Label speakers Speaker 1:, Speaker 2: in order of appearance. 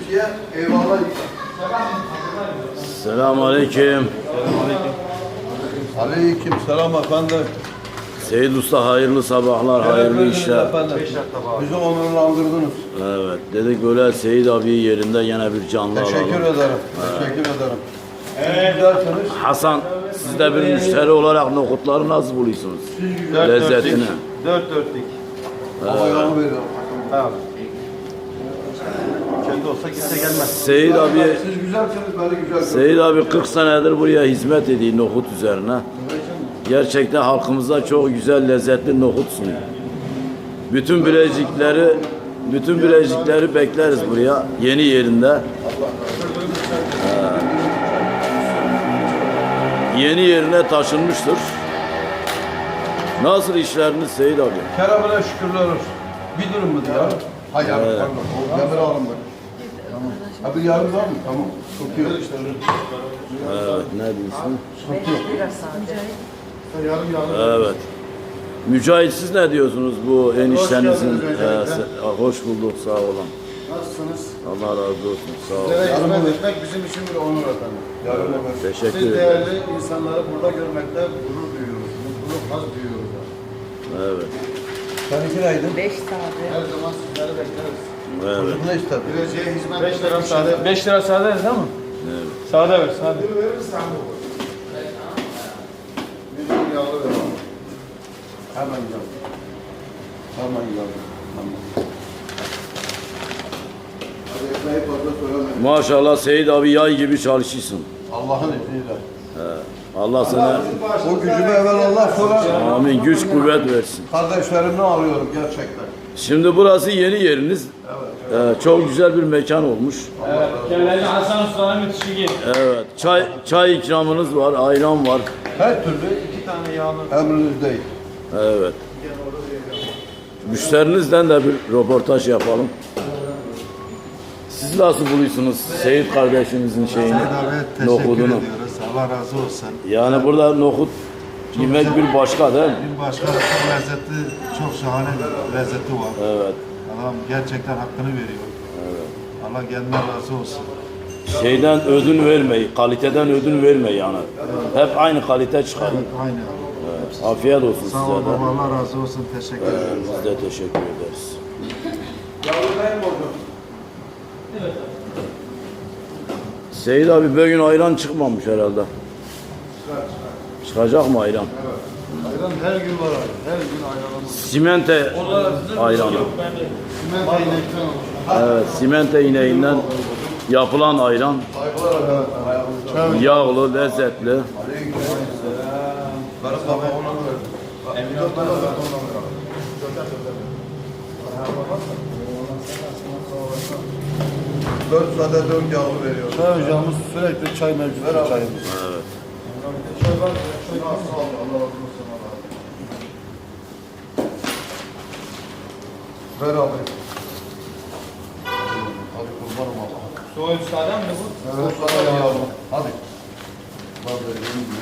Speaker 1: Türkiye eyvallah.
Speaker 2: Selamünaleyküm.
Speaker 1: Aleyküm selam efendim.
Speaker 2: Seyit Usta hayırlı sabahlar, hayırlı işler.
Speaker 1: Bizi onurlandırdınız.
Speaker 2: Evet, dedik böyle Seyit abi yerinde yine bir canlı
Speaker 1: Teşekkür
Speaker 2: alalım.
Speaker 1: ederim. Teşekkür ederim. Siz giderseniz
Speaker 2: Hasan, siz de bir müşteri olarak nohutları nasıl buluyorsunuz? Lezzetini.
Speaker 3: Dört dörtlük.
Speaker 1: havayı veriyorum.
Speaker 3: Tamam. Kendi olsa kimse gelmez.
Speaker 2: Seyit abi,
Speaker 1: Siz güzelseniz ben de güzel.
Speaker 2: Seyit abi 40 senedir buraya hizmet ediyor nohut üzerine. Gerçekten halkımıza çok güzel, lezzetli nohut sunuyor. Bütün Bilecikleri bekleriz buraya, yeni yerinde. Yeni yerine taşınmıştır. Nasıl işleriniz Seyit abi?
Speaker 1: Kerem'e şükürler olsun. Bir durum mu diyor? Hayır, pardon. O demir alın bak. Tamam. Ha bir yarım var mı? Tamam. Tutuyor.
Speaker 2: Evet, ne diyorsun?
Speaker 1: Yarım yarım.
Speaker 2: Evet. Mücahit siz ne diyorsunuz bu eniştenizin? Hoş bulduk, sağ olun.
Speaker 3: Nasılsınız?
Speaker 2: Allah razı olsun, sağ olun.
Speaker 3: Sizlere hizmet etmek bizim için bir onur efendim.
Speaker 1: Yarım olur.
Speaker 2: Teşekkür
Speaker 3: Siz
Speaker 2: ederim.
Speaker 3: değerli insanları burada görmekte gurur duyuyoruz. Mutluluk, haz duyuyoruz.
Speaker 2: Evet,
Speaker 1: Seninki neydi?
Speaker 4: 5 sade.
Speaker 3: Her zaman sizleri bekleriz.
Speaker 2: evet,
Speaker 1: Ne istedin?
Speaker 3: Bileceğe hizmet
Speaker 5: 5 lira
Speaker 3: etmek
Speaker 5: sade. 5 lira sade değil mi?
Speaker 2: evet.
Speaker 5: Sade ver, sade.
Speaker 3: Bizim yağlı ve
Speaker 1: Hemen geldim. Hemen geldim. Tamam. Hadi ekmeği fazla söylemeyin.
Speaker 2: Maşallah Seyit abi yay gibi çalışıyorsun.
Speaker 1: Allah'ın izniyle.
Speaker 2: Allah sana
Speaker 1: O gücümü evvel Allah sonra
Speaker 2: amin güç kuvvet versin.
Speaker 1: kardeşlerimden alıyorum gerçekten.
Speaker 2: Şimdi burası yeni yeriniz. Çok güzel bir mekan olmuş.
Speaker 5: Evet. Kelleci Hasan Usta'nın müthişi.
Speaker 2: Evet, çay ikramınız var, ayran var.
Speaker 1: Her türlü
Speaker 3: 2 tane yağlı.
Speaker 1: emrinizdeyim.
Speaker 2: Evet. Müşterinizden de bir röportaj yapalım. Siz nasıl buluyorsunuz Seyit kardeşimizin şeyini,
Speaker 6: Teşekkür
Speaker 2: nohudunu?
Speaker 6: ediyoruz. Allah razı olsun.
Speaker 2: Yani burada nohut yemek bir başka değil mi?
Speaker 6: Bir başka çok lezzetli, çok şahane bir lezzeti var.
Speaker 2: Evet.
Speaker 6: Adam gerçekten hakkını veriyor. Allah kendinden razı olsun.
Speaker 2: Şeyden ödün vermeyi, kaliteden ödün vermeyi yani. Hep aynı kalite çıkarın.
Speaker 6: Aynı.
Speaker 2: Evet. Afiyet olsun size
Speaker 6: Sağ olun.
Speaker 2: de.
Speaker 6: Allah razı olsun. Teşekkür ederim.
Speaker 2: Biz de teşekkür ederiz. Seyit abi bugün ayran çıkmamış herhalde. Çıkacak mı ayran?
Speaker 3: Ayran her gün var abi. Her gün ayranımız.
Speaker 2: Simente ayranı.
Speaker 3: Simente inekten olur.
Speaker 2: Evet, simente ineğinden yapılan ayran. Yağlı, lezzetli.
Speaker 1: Dört sade dört yağlı veriyorum.
Speaker 3: Çay ocağımız sürekli çay mevcut. Çayımız.
Speaker 2: Evet.
Speaker 1: Ver abi. Hadi kurbanım Allah'a.
Speaker 5: Soğuk sade mi bu?
Speaker 1: Dört sade yağlı. Hadi. Bak vereyim.